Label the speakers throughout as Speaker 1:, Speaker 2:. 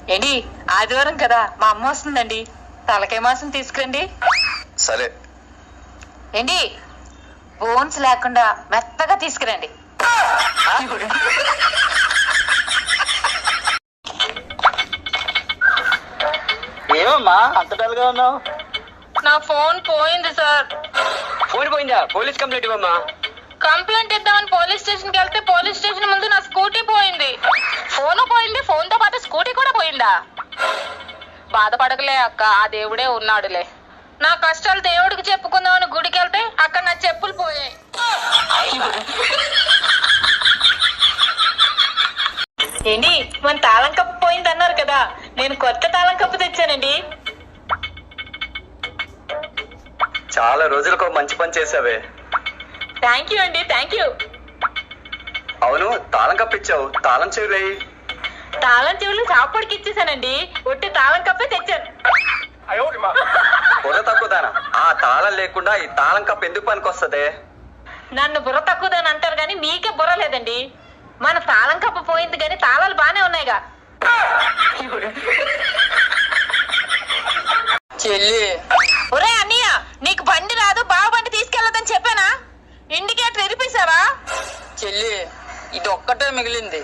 Speaker 1: ఏంటి ఆదివారం కదా మా అమ్మ వస్తుందండి, తలకాయ మాసం తీసుకురండి.
Speaker 2: సరే.
Speaker 1: ఏంటి బోన్స్ లేకుండా మెత్తగా తీసుకురండి.
Speaker 3: ఏమమ్మా అంత డల్ గా ఉన్నావు?
Speaker 1: నా ఫోన్ పోయింది సార్.
Speaker 3: ఫోన్ పోయిందా? పోలీస్ కంప్లైంట్ ఇవ్వమ్మా.
Speaker 1: కంప్లైంట్ ఇద్దామని పోలీస్ స్టేషన్ కి వెళ్తే పోలీస్ స్టేషన్ ముందు నా స్కూటీ పోయింది. ఫోన్ పోయింది, ఫోన్ తో పాటు స్కూటీ కూడా పోయిందా? బాధపడకలే అక్క, ఆ దేవుడే ఉన్నాడులే. నా కష్టాలు దేవుడికి చెప్పుకుందామని గుడికి వెళ్తే అక్కడ నా చెప్పులు పోయాయి. ఏంటి మన తాళం కప్పు పోయింది అన్నారు కదా, నేను కొత్త తాళం కప్పు తెచ్చానండి.
Speaker 2: చాలా రోజులకు మంచి పని చేసావే.
Speaker 1: థ్యాంక్ యూ అండి, థ్యాంక్ యూ.
Speaker 2: అవును, తాళం కప్పిచ్చావు, తాళం చెవి.
Speaker 1: తాళం చెవులు చాపడికి ఇచ్చేసానండి, ఒట్టి తాళం కప్పే తెచ్చాను.
Speaker 2: బుర్ర తక్కువదానా? ఆ తాళం లేకుండా ఈ తాళం కప్పు ఎందుకు పనికొస్తదే?
Speaker 1: నన్ను బుర్ర తక్కువదని అంటారు కానీ మీకే బుర్ర లేదండి. మన తాళం కప్ప పోయింది కానీ తాళాలు బానే ఉన్నాయిగా.
Speaker 3: చెల్లి,
Speaker 1: ఒరే అన్నయ్య, నీకు బండి రాదు, బావ బండి తీసుకెళ్లదని చెప్పానా? ఇండికేటర్ ఎరిపేశావా?
Speaker 3: చెల్లి ఇది ఒక్కటే మిగిలింది.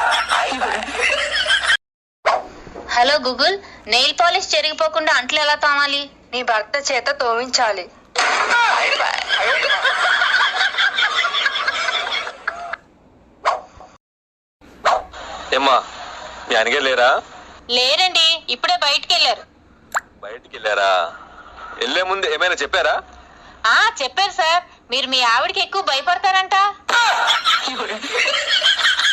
Speaker 1: హలో గూగుల్, నెయిల్ పాలిష్ చెరిగిపోకుండా అంట్లు ఎలా తోమాలి?
Speaker 4: నీ భర్త చేత తోమించాలి.
Speaker 2: ఏమ్మా, మీ అనగే లేరా?
Speaker 1: లేరండి, ఇప్పుడే బయటికి వెళ్ళారు.
Speaker 2: బయటికి వెళ్ళారా? వెళ్ళే ముందు ఏమైనా చెప్పారా?
Speaker 1: చెప్పారు సార్, మీరు మీ ఆవిడకి ఎక్కువ భయపడతారంట.